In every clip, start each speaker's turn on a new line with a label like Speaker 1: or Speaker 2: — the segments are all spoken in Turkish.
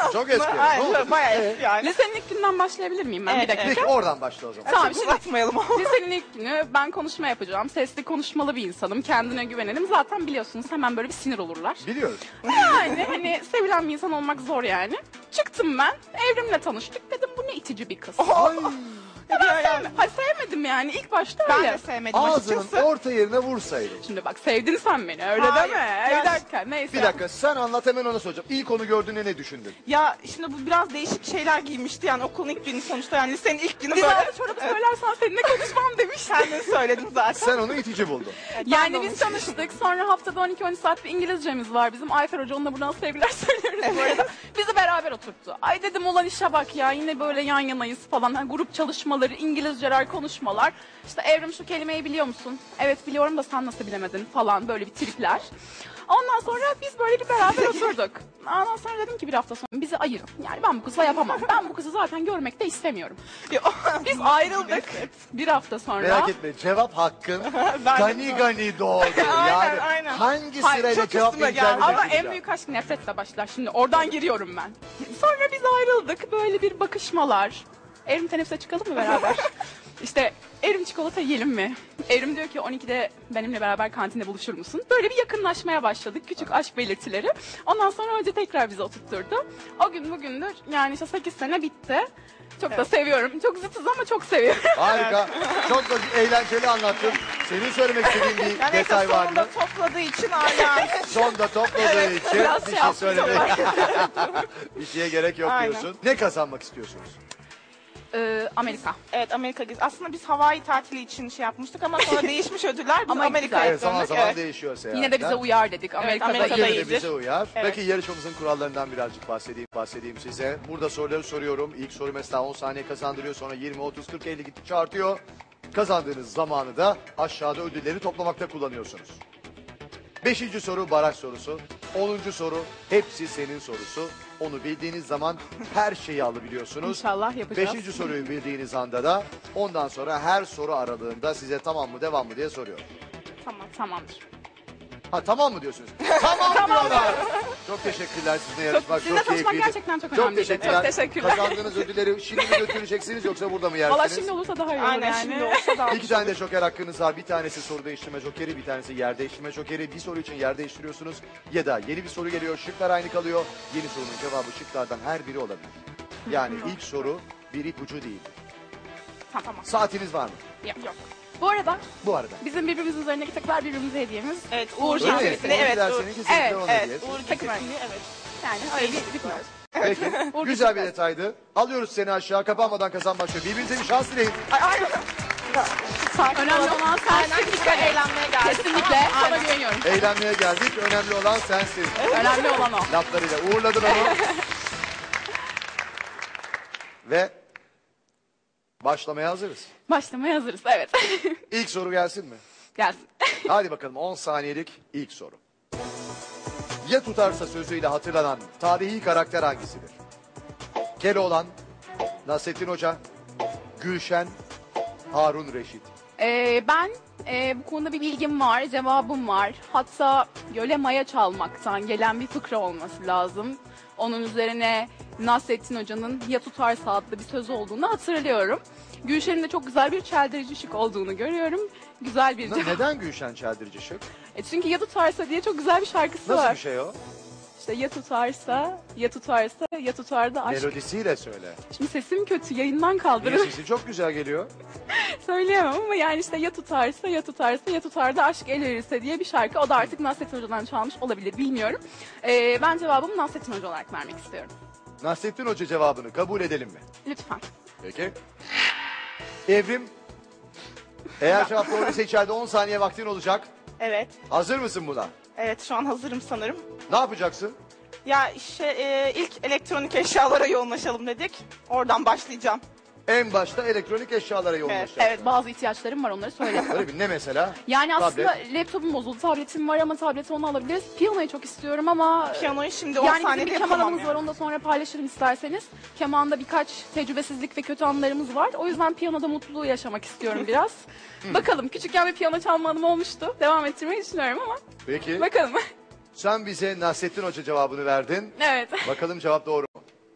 Speaker 1: çok eski.
Speaker 2: Hayır, bayağı eski yani.
Speaker 3: Lisenin ilk günden başlayabilir miyim ben? Bir dakika.
Speaker 1: Peki oradan başla o zaman.
Speaker 3: Tamam,
Speaker 2: Çok
Speaker 3: şimdi
Speaker 2: uzatmayalım ama.
Speaker 3: lisenin ilk günü ben konuşma yapacağım. Sesli konuşmalı bir insanım. Kendine güvenelim. Zaten biliyorsunuz hemen böyle bir sinir olurlar.
Speaker 1: Biliyoruz.
Speaker 3: Yani hani sevilen bir insan olmak zor yani. Çıktım ben. Evrimle tanıştık. Dedim bu ne itici bir kız. Hayır, sevmedim yani ilk başta
Speaker 2: Ben
Speaker 3: öyle.
Speaker 2: de sevmedim
Speaker 1: Ağzının
Speaker 2: açıkçası.
Speaker 1: orta yerine vursaydın.
Speaker 3: Şimdi bak sevdin sen beni öyle
Speaker 2: Hayır,
Speaker 3: deme.
Speaker 2: yani-
Speaker 3: Bir dakika neyse.
Speaker 1: Bir dakika sen anlat hemen ona soracağım. İlk onu gördüğünde ne düşündün?
Speaker 2: Ya şimdi bu biraz değişik şeyler giymişti yani okulun ilk günü sonuçta yani lisenin ilk günü
Speaker 3: Biz
Speaker 2: böyle.
Speaker 3: aldı çorabı söylersen seninle konuşmam demiş.
Speaker 2: Kendin söyledin zaten.
Speaker 1: Sen onu itici buldun.
Speaker 3: Yani biz tanıştık. Sonra haftada 12-13 saat bir İngilizcemiz var bizim. Ayfer Hoca onunla buradan sevgiler söylüyoruz bu arada. Bizi beraber oturttu. Ay dedim ulan işe bak ya yine böyle yan yanayız falan. Hani grup çalışmaları, İngilizceler, konuşmalar. İşte Evrim şu kelimeyi biliyor musun? Evet biliyorum da sen nasıl bilemedin falan böyle bir tripler. Ondan sonra biz böyle bir beraber oturduk. Ondan sonra dedim ki bir hafta sonra bizi ayırın. Yani ben bu kızla yapamam. Ben bu kızı zaten görmek de istemiyorum. Biz ayrıldık bir hafta sonra.
Speaker 1: Merak etme cevap hakkın
Speaker 2: Ben de-
Speaker 1: gani doğdu.
Speaker 2: Aynen,
Speaker 1: Yani
Speaker 2: aynen.
Speaker 1: hangi
Speaker 3: Hayır,
Speaker 1: sırayla
Speaker 2: çok
Speaker 1: cevap
Speaker 2: üstüme
Speaker 1: vereceğini
Speaker 2: geldi.
Speaker 3: Ama
Speaker 1: düşüneceğim.
Speaker 3: en büyük aşk nefretle başlar. Şimdi oradan giriyorum ben. Sonra biz ayrıldık. Böyle bir bakışmalar. Evrim teneffüse çıkalım mı beraber? İşte Evrim çikolata yiyelim mi? Evrim diyor ki 12'de benimle beraber kantinde buluşur musun? Böyle bir yakınlaşmaya başladık. Küçük aşk belirtileri. Ondan sonra hoca tekrar bizi oturtturdu. O gün bugündür yani işte 8 sene bitti. Çok da seviyorum. Çok zıtız ama çok seviyorum.
Speaker 1: Harika. Çok da eğlenceli anlattın. Senin söylemek istediğin bir
Speaker 2: Yani
Speaker 1: detay var mı?
Speaker 2: sonunda topladığı için hala.
Speaker 1: Sonda topladığı için
Speaker 3: biraz
Speaker 1: bir
Speaker 3: şey
Speaker 1: şey
Speaker 3: yaptım.
Speaker 1: söylemek. Bir şeye gerek yok
Speaker 2: Aynen.
Speaker 1: diyorsun. Ne kazanmak istiyorsunuz?
Speaker 3: Amerika.
Speaker 2: Evet Amerika gezisi. Aslında biz Hawaii tatili için şey yapmıştık ama sonra değişmiş ödüller. Biz
Speaker 3: Ama
Speaker 2: Amerika'ya
Speaker 1: Evet zaman
Speaker 2: döndük.
Speaker 1: zaman
Speaker 2: Evet.
Speaker 1: değişiyor seyahatler.
Speaker 3: Yine de bize uyar dedik. Amerika'da
Speaker 2: Amerika'da
Speaker 1: Yine de
Speaker 2: iyidir.
Speaker 1: bize uyar.
Speaker 2: Evet.
Speaker 1: Peki yarışmamızın kurallarından birazcık bahsedeyim size. Burada soruları soruyorum. İlk soru mesela 10 saniye kazandırıyor. Sonra 20, 30, 40, 50 gittikçe artıyor. Kazandığınız zamanı da aşağıda ödülleri toplamakta kullanıyorsunuz. 5. soru baraj sorusu. 10. soru hepsi senin sorusu. Onu bildiğiniz zaman her şeyi alabiliyorsunuz.
Speaker 3: İnşallah yapacağız.
Speaker 1: 5. soruyu bildiğiniz anda da ondan sonra her soru aralığında size tamam mı devam mı diye soruyor.
Speaker 3: Tamamdır.
Speaker 1: Ha tamam mı diyorsunuz? Tamam diyorlar. Çok teşekkürler sizinle yarışmak.
Speaker 3: Sizinle tanışmak
Speaker 1: keyifliydi.
Speaker 3: gerçekten çok
Speaker 1: Çok
Speaker 3: önemliydi.
Speaker 1: teşekkürler.
Speaker 3: Çok teşekkürler.
Speaker 1: Kazandığınız ödülleri şimdi mi götüreceksiniz yoksa burada mı yersiniz?
Speaker 3: Valla şimdi olursa daha iyi olur
Speaker 2: Aynen
Speaker 3: yani.
Speaker 2: şimdi olsa da.
Speaker 1: İki tane de joker hakkınız var. Bir tanesi soru değiştirme jokeri, bir tanesi yer değiştirme jokeri. Bir soru için yer değiştiriyorsunuz ya da yeni bir soru geliyor, şıklar aynı kalıyor. Yeni sorunun cevabı şıklardan her biri olabilir. Yani ilk soru bir ipucu değil.
Speaker 3: Tamam.
Speaker 1: Saatiniz var mı?
Speaker 3: Yok. Bu arada
Speaker 1: Bu arada.
Speaker 3: bizim birbirimizin üzerindeki takılar birbirimize hediyemiz.
Speaker 2: Evet
Speaker 3: Uğur
Speaker 2: Uğur
Speaker 1: Öyle mi?
Speaker 2: Şanslı'sını evet.
Speaker 1: Dersinin kesinlikle
Speaker 3: Evet,
Speaker 1: ona
Speaker 2: Evet
Speaker 1: hediyesi.
Speaker 2: Uğur
Speaker 3: Takım
Speaker 2: Gecesi'ni evet.
Speaker 3: Yani öyle bir bitmiyor.
Speaker 1: Peki.
Speaker 3: Uğur
Speaker 1: Güzel bir
Speaker 3: Gecesi.
Speaker 1: detaydı. Alıyoruz seni aşağı. Kapanmadan kazan başlıyor. Birbirinize bir şans dileyin.
Speaker 3: Önemli olan sensin.
Speaker 2: Kesinlikle eğlenmeye geldik.
Speaker 3: Kesinlikle sana güveniyorum.
Speaker 1: Eğlenmeye geldik. Önemli olan sensin.
Speaker 3: Önemli olan o.
Speaker 1: Laflarıyla uğurladın onu. Ve başlamaya hazırız.
Speaker 3: Başlamaya hazırız. Evet.
Speaker 1: İlk soru gelsin mi?
Speaker 3: Gelsin.
Speaker 1: Hadi bakalım 10 saniyelik ilk soru. Ya tutarsa sözüyle hatırlanan tarihi karakter hangisidir? Keloğlan, Nasrettin Hoca, Gülşen, Harun Reşit.
Speaker 3: Ben bu konuda bir bilgim var, cevabım var. Hatta göle maya çalmaktan gelen bir fıkra olması lazım. Onun üzerine Nasrettin Hoca'nın ya tutarsa adlı bir söz olduğunu hatırlıyorum. Gülşen'in de çok güzel bir çeldirici şık olduğunu görüyorum. Güzel bir cevap.
Speaker 1: Neden Gülşen Çeldirici şık?
Speaker 3: Çünkü ya tutarsa diye çok güzel bir şarkısı
Speaker 1: Nasıl
Speaker 3: var.
Speaker 1: bir şey o?
Speaker 3: İşte ya tutarsa, ya tutarsa, ya tutar da aşk.
Speaker 1: Melodisiyle söyle.
Speaker 3: Şimdi sesim kötü, yayından
Speaker 1: Niye
Speaker 3: kaldırın.
Speaker 1: sesi çok güzel geliyor?
Speaker 3: Söyleyemem ama yani işte ya tutarsa, ya tutarsa, ya tutar da aşk el verirse diye bir şarkı. O da artık Nasrettin Hoca'dan çalmış olabilir, bilmiyorum. Ben cevabımı Nasrettin Hoca olarak vermek istiyorum.
Speaker 1: Nasrettin Hoca cevabını kabul edelim mi?
Speaker 3: Lütfen.
Speaker 1: Peki. Evrim, eğer cevap doğruysa içeride 10 saniye vaktin olacak.
Speaker 2: Evet.
Speaker 1: Hazır mısın buna?
Speaker 2: Evet şu an hazırım sanırım.
Speaker 1: Ne yapacaksın?
Speaker 2: Ya işte ilk elektronik eşyalara yoğunlaşalım dedik. Oradan başlayacağım.
Speaker 1: En başta elektronik eşyalara yoğunlaşacaksın.
Speaker 3: Evet, bazı ihtiyaçlarım var, onları söyle.
Speaker 1: Öyle bir ne mesela?
Speaker 3: Yani aslında
Speaker 1: Tablet.
Speaker 3: laptopum bozuldu, tabletim var ama tableti onu alabiliriz. Piyanoyu çok istiyorum ama...
Speaker 2: Piyanoyu şimdi 10
Speaker 3: Yani bizim
Speaker 2: saniyede
Speaker 3: bir
Speaker 2: yapamam
Speaker 3: kemanımız
Speaker 2: yani.
Speaker 3: var, onu da sonra paylaşırım isterseniz. Kemanda birkaç tecrübesizlik ve kötü anlarımız var. O yüzden piyanoda mutluluğu yaşamak istiyorum biraz. Bakalım, küçükken bir piyano çalma anım olmuştu. Devam ettirmeyi düşünüyorum ama
Speaker 1: Peki.
Speaker 3: bakalım.
Speaker 1: Sen bize Nasrettin Hoca cevabını verdin.
Speaker 3: Evet.
Speaker 1: Bakalım cevap doğru mu?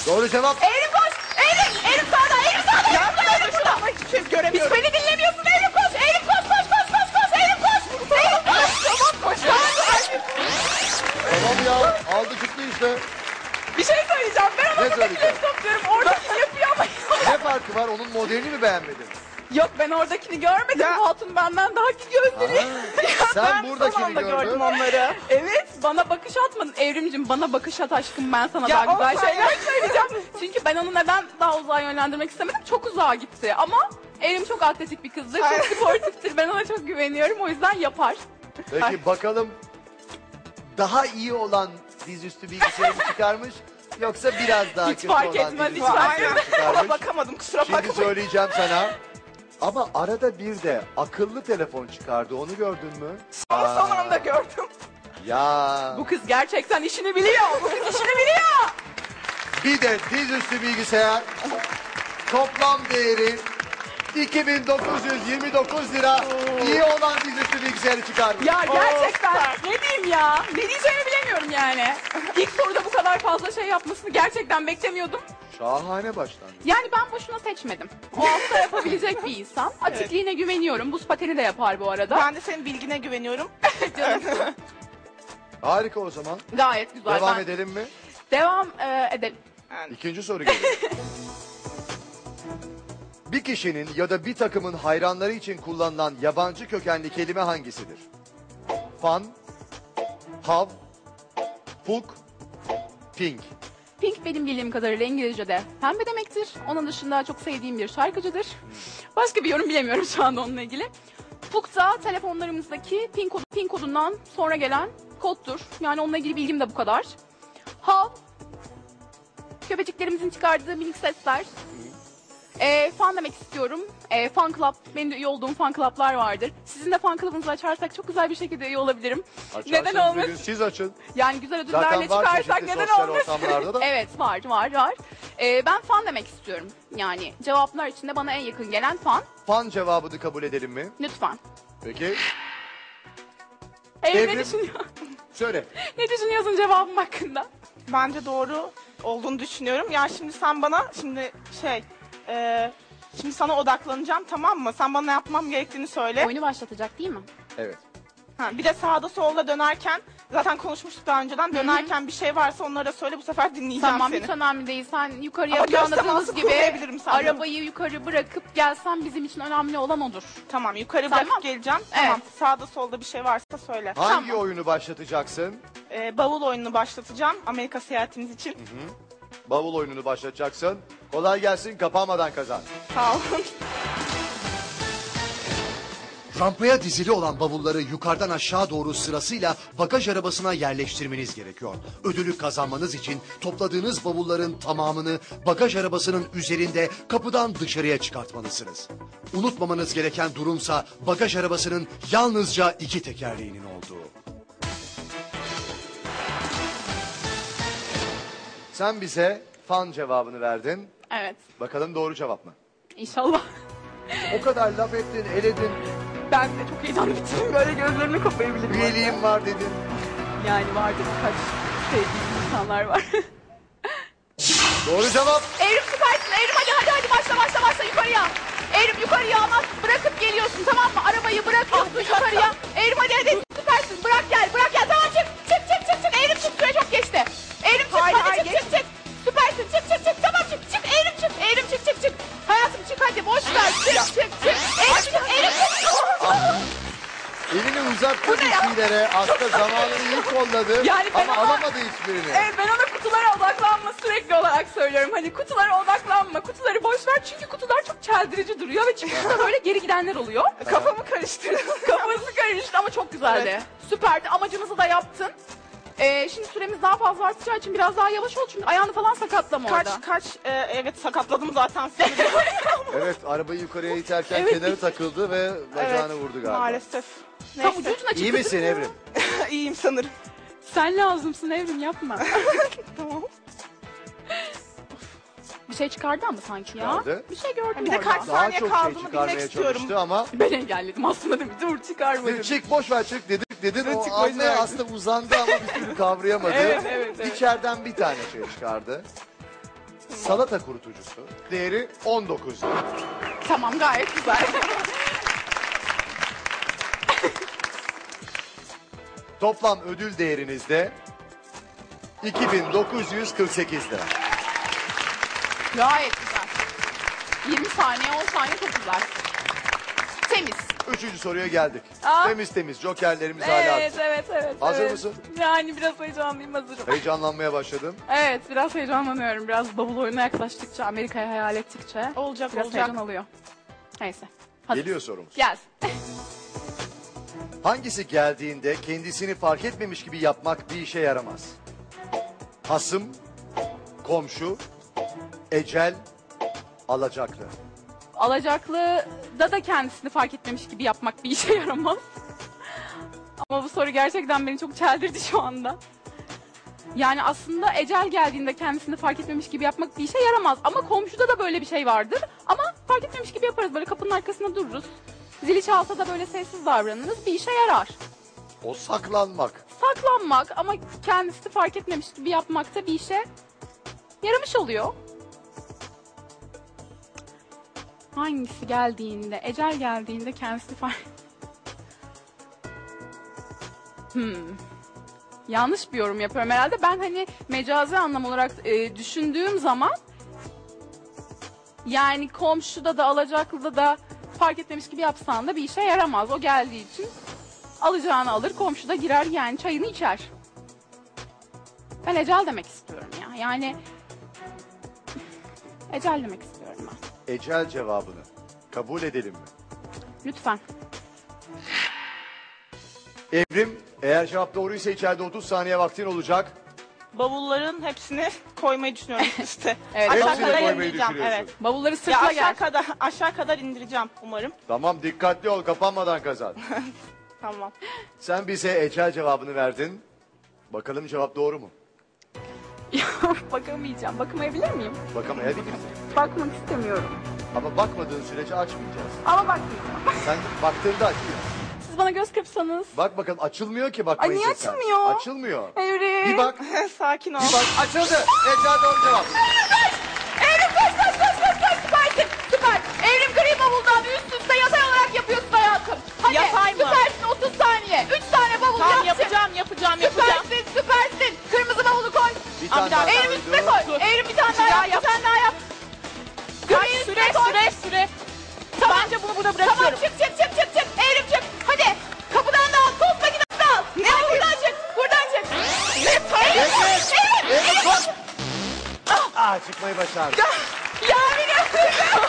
Speaker 1: Doğru cevap.
Speaker 3: Eğrim koş. Eğrim sağda. Eğrim sağda. Eğrim burada.
Speaker 2: Hiçbir şey
Speaker 3: Hiç
Speaker 2: göremiyorum.
Speaker 3: beni dinlemiyorsun. Eğrim koş. Eğrim koş. Eğrim koş. Eğrim koş.
Speaker 2: Tamam koş.
Speaker 1: Tamam ya. Aldı çıktı işte.
Speaker 3: Bir şey söyleyeceğim. Ben
Speaker 1: Ne
Speaker 3: ona
Speaker 1: söyleyeceğim?
Speaker 3: topluyorum. Oradakini yapıyor ama.
Speaker 1: Ne farkı var? Onun modelini mi beğenmedin?
Speaker 3: Yok ben oradakini görmedim.
Speaker 2: Ya.
Speaker 3: Hatun benden daha ki gözleri.
Speaker 1: Sen
Speaker 2: Ben son
Speaker 1: buradakini
Speaker 2: anda gördüm
Speaker 1: gördün.
Speaker 2: onları.
Speaker 3: Evet bana bakış atmadın. Evrimcim bana bakış at aşkım ben sana
Speaker 2: Ya,
Speaker 3: daha güzel
Speaker 2: olsun.
Speaker 3: şeyler söyleyeceğim. Çünkü ben onu neden daha uzağa yönlendirmek istemedim. Çok uzağa gitti ama Evrim çok atletik bir kızdır.
Speaker 2: Ay.
Speaker 3: Çok sportiftir. Ben ona çok güveniyorum. O yüzden yapar.
Speaker 1: Peki bakalım daha iyi olan dizüstü bilgisayarı mı çıkarmış yoksa biraz daha
Speaker 3: Hiç
Speaker 1: kötü
Speaker 3: fark
Speaker 1: olan
Speaker 3: etmez,
Speaker 1: dizüstü
Speaker 3: hiç fark
Speaker 1: bilgisayarı mı
Speaker 2: Aynen. Ona
Speaker 1: çıkarmış?
Speaker 2: bakamadım kusura
Speaker 1: Şimdi
Speaker 2: bakmayın.
Speaker 1: söyleyeceğim sana. Ama arada bir de akıllı telefon çıkardı. Onu gördün mü?
Speaker 2: Son anda gördüm.
Speaker 1: Ya.
Speaker 3: Bu kız gerçekten işini biliyor. Bu kız işini biliyor.
Speaker 1: Bir de dizüstü bilgisayar toplam değeri 2929 lira. İyi olan dizüstü bilgisayarı çıkarmış.
Speaker 3: Ya gerçekten
Speaker 2: süper.
Speaker 3: ne diyeyim ya? Ne diyeceğimi bilemiyorum yani. İlk soruda bu kadar fazla şey yapmasını gerçekten beklemiyordum.
Speaker 1: Şahane başlangıç.
Speaker 3: Yani ben boşuna seçmedim. O hafta yapabilecek bir insan. Atikliğine güveniyorum. Buz pateni de yapar bu arada.
Speaker 2: Ben de senin bilgine güveniyorum.
Speaker 3: Canım,
Speaker 1: Harika o zaman.
Speaker 3: gayet güzel.
Speaker 1: Devam
Speaker 3: Ben-
Speaker 1: edelim mi?
Speaker 3: Devam edelim.
Speaker 2: Yani,
Speaker 1: İkinci soru geliyor. Bir kişinin ya da bir takımın hayranları için kullanılan yabancı kökenli kelime hangisidir? Fan, hav, fuk, pink.
Speaker 3: Pink benim bildiğim kadarıyla İngilizce'de pembe demektir. Onun dışında çok sevdiğim bir şarkıcıdır. Başka bir yorum bilemiyorum şu anda onunla ilgili. Puk da telefonlarımızdaki pin kodundan sonra gelen koddur. Yani onunla ilgili bilgim de bu kadar. Hav, köpeciklerimizin çıkardığı minik sesler. Fan demek istiyorum. Fan club, benim de üye olduğum fan club'lar vardır. Sizin de fan club'ınızı açarsak çok güzel bir şekilde üye olabilirim. Neden
Speaker 1: Açarsınız bir
Speaker 3: olmasın?
Speaker 1: gün, siz açın.
Speaker 3: Yani güzel ödüllerle
Speaker 1: Zaten var
Speaker 3: çıkarsak
Speaker 1: çeşitli
Speaker 3: neden
Speaker 1: sosyal
Speaker 3: olmasın?
Speaker 1: ortamlarda da.
Speaker 3: Evet var. Ben fan demek istiyorum. Yani cevaplar içinde bana en yakın gelen fan.
Speaker 1: Fan cevabını kabul edelim mi?
Speaker 3: Lütfen.
Speaker 1: Peki.
Speaker 3: Evrim
Speaker 1: Evrim.
Speaker 3: ne düşünüyor?
Speaker 1: Söyle.
Speaker 3: Ne düşünüyorsun cevabım hakkında?
Speaker 2: bence doğru olduğunu düşünüyorum. Ya şimdi sen bana şimdi şimdi sana odaklanacağım tamam mı? Sen bana ne yapmam gerektiğini söyle.
Speaker 3: Oyunu başlatacak değil mi?
Speaker 1: Evet.
Speaker 2: Ha, bir de sağda solda dönerken zaten konuşmuştuk daha önceden. Dönerken bir şey varsa onları da söyle bu sefer dinleyeceğim
Speaker 3: Tamam
Speaker 2: seni.
Speaker 3: hiç önemli değil. Sen yukarıya
Speaker 2: Ama göz
Speaker 3: planladığımız
Speaker 2: teması
Speaker 3: gibi
Speaker 2: kurmayabilirim sanırım.
Speaker 3: arabayı yukarı bırakıp gelsen bizim için önemli olan odur.
Speaker 2: Tamam yukarı
Speaker 3: Tamam.
Speaker 2: bırakıp geleceğim.
Speaker 3: Evet.
Speaker 2: Tamam sağda solda bir şey varsa söyle.
Speaker 1: Hangi
Speaker 3: Tamam.
Speaker 1: oyunu başlatacaksın?
Speaker 2: Bavul oyununu başlatacağım Amerika seyahatimiz için.
Speaker 1: Bavul oyununu başlatacaksın. Kolay gelsin, kapanmadan kazan.
Speaker 2: Sağ olun.
Speaker 1: Rampaya dizili olan bavulları yukarıdan aşağı doğru sırasıyla bagaj arabasına yerleştirmeniz gerekiyor. Ödülü kazanmanız için topladığınız bavulların tamamını bagaj arabasının üzerinde kapıdan dışarıya çıkartmalısınız. Unutmamanız gereken durumsa bagaj arabasının yalnızca 2 tekerleğinin olduğu. Sen bize fan cevabını verdin.
Speaker 3: Evet.
Speaker 1: Bakalım doğru cevap mı?
Speaker 3: İnşallah.
Speaker 1: O kadar laf ettin, eledin,
Speaker 3: Ben de çok heyecanlı bitirdim. Böyle gözlerimi kapayabilirim.
Speaker 1: üyeliğim var dedin.
Speaker 3: Yani vardı birkaç sevdiğim insanlar var.
Speaker 1: Doğru cevap.
Speaker 3: Evrim süpersin. Evrim hadi başla yukarıya. Evrim yukarıya ama bırakıp geliyorsun tamam mı? Arabayı bırakıyorsun yukarıya. Evrim hadi süpersin. Bırak gel tamam çık. Evrim çık süre çok geçti. Evrim çık
Speaker 2: Hayır,
Speaker 3: hadi
Speaker 2: hayır,
Speaker 3: çık. Süpersin çık tamam çık. Evrim çık. Hayatım çık hadi boş ver çık. Evrim çık.
Speaker 1: Elini uzattı bir şeylere. Aslında zamanını iyi kolladı.
Speaker 3: Yani ben
Speaker 1: ama
Speaker 3: ama-
Speaker 1: alamadı hiçbirini.
Speaker 3: Evet ben ona kutulara odaklanma sürekli olarak söylüyorum. Hani kutulara odaklanma, kutuları boş ver çünkü kutular çok çeldirici duruyor ve çıkışta böyle geri gidenler oluyor.
Speaker 2: Kafamı karıştırdın.
Speaker 3: Kafası karıştı ama çok güzeldi.
Speaker 2: Evet.
Speaker 3: Süperdi, amacımızı da yaptın. Şimdi süremiz daha fazla artacağı için biraz daha yavaş ol çünkü ayağını falan sakatlama orada.
Speaker 2: Evet sakatladım zaten seni.
Speaker 1: Evet, arabayı yukarıya iterken
Speaker 3: Evet.
Speaker 1: kenarı takıldı ve bacağını vurdu galiba.
Speaker 2: Maalesef.
Speaker 3: Tam
Speaker 2: Neyse.
Speaker 3: ucu ucuna çıktı.
Speaker 1: İyi misin Evrim?
Speaker 2: İyiyim sanırım.
Speaker 3: Sen lazımsın Evrim yapma.
Speaker 2: Tamam.
Speaker 3: Bir şey çıkardı ama sanki ya.
Speaker 1: Çıkardı.
Speaker 3: Bir şey gördüm
Speaker 2: Bir de
Speaker 3: orada.
Speaker 2: kaç-
Speaker 1: Daha
Speaker 2: Saniye
Speaker 1: çok şey
Speaker 2: kaldığını
Speaker 1: çıkarmaya
Speaker 2: bilmek istiyorum.
Speaker 1: çalıştı ama
Speaker 3: Ben engelledim aslında değil mi? Dur çıkarma dedim.
Speaker 1: çık boş ver çık dedin.
Speaker 2: Evet,
Speaker 1: O
Speaker 2: çık,
Speaker 1: anne
Speaker 2: boş ver.
Speaker 1: aslında uzandı ama bir türlü kavrayamadı.
Speaker 2: Evet.
Speaker 1: İçeriden bir tane şey çıkardı. salata kurutucusu. Değeri 19 lira.
Speaker 3: Tamam, gayet güzel.
Speaker 1: Toplam ödül değerinizde 2948 lira.
Speaker 3: Gayet güzel. 20 saniye, 10 saniye çok güzel. Temiz.
Speaker 1: Üçüncü soruya geldik.
Speaker 3: Aa.
Speaker 1: Temiz temiz jokerlerimiz hala
Speaker 3: Evet,
Speaker 1: aktif.
Speaker 3: evet.
Speaker 1: Hazır
Speaker 3: evet.
Speaker 1: mısın?
Speaker 3: Yani biraz heyecanlıyım, hazırım.
Speaker 1: Heyecanlanmaya başladım.
Speaker 3: Evet, biraz heyecanlanıyorum. Biraz bavul oyununa yaklaştıkça, Amerika'yı hayal ettikçe.
Speaker 2: Olacak,
Speaker 3: Biraz
Speaker 2: olacak.
Speaker 3: heyecan alıyor. Neyse. Hadi.
Speaker 1: Geliyor sorumuz.
Speaker 3: Gelsin.
Speaker 1: Hangisi geldiğinde kendisini fark etmemiş gibi yapmak bir işe yaramaz? Hasım, komşu, ecel, alacaklı.
Speaker 3: Alacaklıda da kendisini fark etmemiş gibi yapmak bir işe yaramaz. Ama bu soru gerçekten beni çok çeldirdi şu anda. Yani aslında ecel geldiğinde kendisini fark etmemiş gibi yapmak bir işe yaramaz. Ama komşuda da böyle bir şey vardır. Ama fark etmemiş gibi yaparız. Böyle kapının arkasında dururuz. Zili çalsa da böyle sessiz davranırız. Bir işe yarar.
Speaker 1: O saklanmak.
Speaker 3: Saklanmak ama kendisi fark etmemiş gibi yapmak da bir işe yaramış oluyor. Hangisi geldiğinde, ecel geldiğinde kendisi fark... Yanlış bir yorum yapıyorum herhalde. Ben hani mecazi anlam olarak düşündüğüm zaman yani komşuda da alacaklıda da fark etmemiş gibi yapsan da bir işe yaramaz. O geldiği için alacağını alır, komşu da girer yani çayını içer. Ben ecel demek istiyorum ya. Yani ecel demek istiyorum ben.
Speaker 1: Ecel cevabını kabul edelim mi?
Speaker 3: Lütfen.
Speaker 1: Evrim, eğer cevap doğruysa içeride 30 saniye vaktin olacak.
Speaker 2: Bavulların hepsini koymayı düşünüyorum üste.
Speaker 3: Evet.
Speaker 2: Aşağı
Speaker 1: Hepsini
Speaker 2: kadar
Speaker 1: koymayı
Speaker 2: indireceğim.
Speaker 1: düşünüyorsun.
Speaker 2: Evet.
Speaker 3: Bavulları
Speaker 2: Ya
Speaker 3: sırtla gel.
Speaker 2: aşağı kadar indireceğim umarım.
Speaker 1: Tamam, dikkatli ol, kapanmadan kazan.
Speaker 2: Tamam.
Speaker 1: Sen bize ecel cevabını verdin. Bakalım cevap doğru mu?
Speaker 3: Bakamayacağım. Bakamayabilir miyim?
Speaker 1: Bakamayabilirsin.
Speaker 3: Bakmak istemiyorum.
Speaker 1: Ama bakmadığın sürece açmayacağız.
Speaker 3: Ama bakmayacağım.
Speaker 1: Sen baktığında açıyor.
Speaker 3: Siz bana göz kırpsanız.
Speaker 1: Bak bakalım, açılmıyor ki bakmayınca
Speaker 3: Ay, niye
Speaker 1: sen.
Speaker 3: açılmıyor?
Speaker 1: Açılmıyor.
Speaker 3: Evrim.
Speaker 1: Bir bak,
Speaker 2: Sakin ol.
Speaker 1: bir bak. Açıldı. Ecel doğru cevap.
Speaker 3: Evrim koş. Süpersin. Süper. Evrim gri bavuldan üst üste yatay olarak yapıyorsun hayatım. Hadi.
Speaker 2: Yatay mı?
Speaker 3: Süpersin 30 saniye. 3 tane bavul
Speaker 2: Tamam,
Speaker 3: yaptın.
Speaker 2: yapacağım.
Speaker 3: Süpersin. Kırmızı bavulu koy.
Speaker 1: Bir tane daha
Speaker 3: Evrim
Speaker 1: koydu.
Speaker 3: üstüne koy.
Speaker 2: Dur.
Speaker 3: Evrim bir tane daha
Speaker 2: Ya
Speaker 3: yap. Bir tane daha yap. Gri üstüne koy.
Speaker 2: Süre.
Speaker 3: Tamam.
Speaker 2: Bence bunu burada
Speaker 3: Tamam
Speaker 2: bırakıyorum.
Speaker 3: çık. Evrim çık. Hadi. Kapıdan da al. Toz makinesi de al.
Speaker 2: Ne
Speaker 3: Al, buradan çık. Buradan çık.
Speaker 1: Evrim koş. Çıkmayı başardı.
Speaker 3: Ya biliyorsun.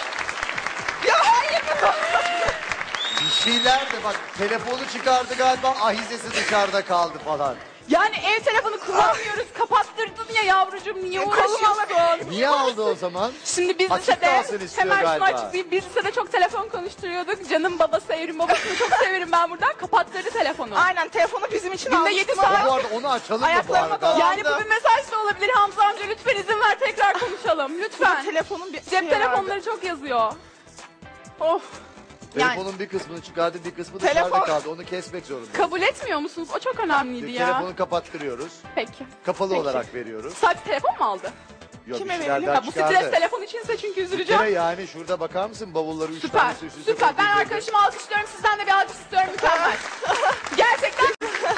Speaker 1: Bir şeyler de bak, telefonu çıkardı galiba, ahizesi dışarıda kaldı falan.
Speaker 3: Yani ev telefonu kullanmıyoruz. Kapattırdın ya yavrucuğum. Niye uğraşıyorsun?
Speaker 1: Niye aldı o zaman?
Speaker 3: Şimdi biz
Speaker 1: Açık
Speaker 3: lisede
Speaker 1: kalsın istiyor
Speaker 3: hemen şunu
Speaker 1: galiba.
Speaker 3: açıklayayım. Biz lisede çok telefon konuşturuyorduk. Canım babası, Evrim babasını çok severim ben buradan. Kapattırdı telefonu.
Speaker 2: Aynen, telefonu bizim için
Speaker 3: Günde
Speaker 2: almıştın
Speaker 3: 7
Speaker 2: ama-
Speaker 3: saat.
Speaker 1: Bu arada onu açalım mı bu
Speaker 2: Ayaklarıma
Speaker 1: arada?
Speaker 2: dolan.
Speaker 3: Yani bu bir mesaj da olabilir Hamza amca. Lütfen izin ver tekrar konuşalım. Lütfen.
Speaker 2: Telefonun bir
Speaker 3: Cep telefonları çok yazıyor.
Speaker 2: Of.
Speaker 1: Telefonun bir kısmını çıkardı, bir kısmı
Speaker 2: Telefon-
Speaker 1: dışarıda kaldı. Onu kesmek zorundayız.
Speaker 3: Kabul etmiyor musunuz? O çok önemliydi ya.
Speaker 1: Telefonu kapattırıyoruz.
Speaker 3: Peki.
Speaker 1: Kapalı
Speaker 3: Peki.
Speaker 1: olarak veriyoruz.
Speaker 3: Sadece telefon mu aldı?
Speaker 1: Yok,
Speaker 2: Kime
Speaker 1: bir şeyler
Speaker 2: verelim?
Speaker 1: daha
Speaker 3: Ha, bu
Speaker 1: çıkardı.
Speaker 3: stres telefon içinse çünkü
Speaker 1: Bir
Speaker 3: üzüleceğim.
Speaker 1: kere yani şurada bakar mısın, bavulları 3
Speaker 3: Süper.
Speaker 1: tanesi üst üste
Speaker 3: Süper. Ben
Speaker 1: koyduğunda-
Speaker 3: arkadaşımı alkışlıyorum. Sizden de bir alkış istiyorum. Mükemmel. Gerçekten.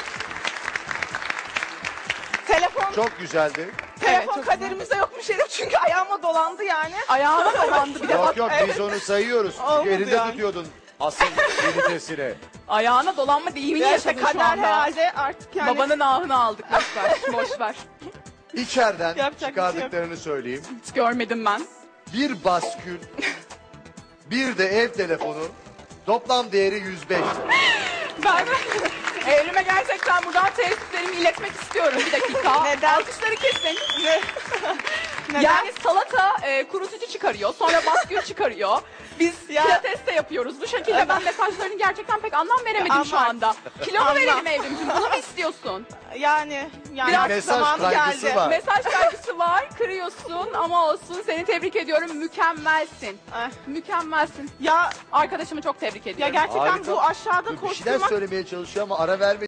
Speaker 2: Telefon
Speaker 1: Çok güzeldi.
Speaker 2: telefon
Speaker 3: çok
Speaker 2: kaderimizde yokmuş herif çünkü ayağıma dolandı yani.
Speaker 3: Ayağıma dolandı bir de bak.
Speaker 1: Yok biz onu sayıyoruz. Çünkü
Speaker 2: Olmadı
Speaker 1: elinde
Speaker 2: yani.
Speaker 1: tutuyordun asıl ünitesini.
Speaker 3: Ayağına dolanma deyimini
Speaker 2: Ya işte
Speaker 3: yaşadın şu
Speaker 2: kader
Speaker 3: anda.
Speaker 2: herhalde artık yani.
Speaker 3: Babanın ahını aldık. Boş ver. Boş ver.
Speaker 1: İçeriden
Speaker 2: Yapacak bir şey yok.
Speaker 1: çıkardıklarını söyleyeyim.
Speaker 3: Hiç görmedim ben.
Speaker 1: Bir baskül, bir de ev telefonu, toplam değeri 105 lira.
Speaker 3: Ben Evrim'e gerçekten buradan teessüplerimi iletmek istiyorum. Bir dakika.
Speaker 2: Neden?
Speaker 3: Alkışları kesin.
Speaker 2: Neden?
Speaker 3: Yani salata kurutucu çıkarıyor. Sonra baskül çıkarıyor. Biz
Speaker 2: Ya-
Speaker 3: pilates de yapıyoruz. Bu şekilde ben mesajlarını gerçekten pek anlam veremedim şu
Speaker 2: Anlam.
Speaker 3: anda. Kilo mu
Speaker 2: Anlam.
Speaker 3: verelim Evrim'ciğim? Bunu mu istiyorsun?
Speaker 2: yani
Speaker 3: Biraz
Speaker 1: mesaj
Speaker 2: zamanı
Speaker 1: kaygısı
Speaker 2: geldi.
Speaker 1: var.
Speaker 3: Mesaj kaygısı var. Kırıyorsun ama olsun. Seni tebrik ediyorum. Mükemmelsin.
Speaker 2: Eh.
Speaker 3: Mükemmelsin.
Speaker 2: Ya
Speaker 3: Arkadaşımı çok tebrik ediyorum.
Speaker 2: gerçekten
Speaker 1: Harika.
Speaker 2: bu aşağıda
Speaker 1: Bir şeyler
Speaker 2: koşturmak
Speaker 1: söylemeye çalışıyor ama ara vermedi.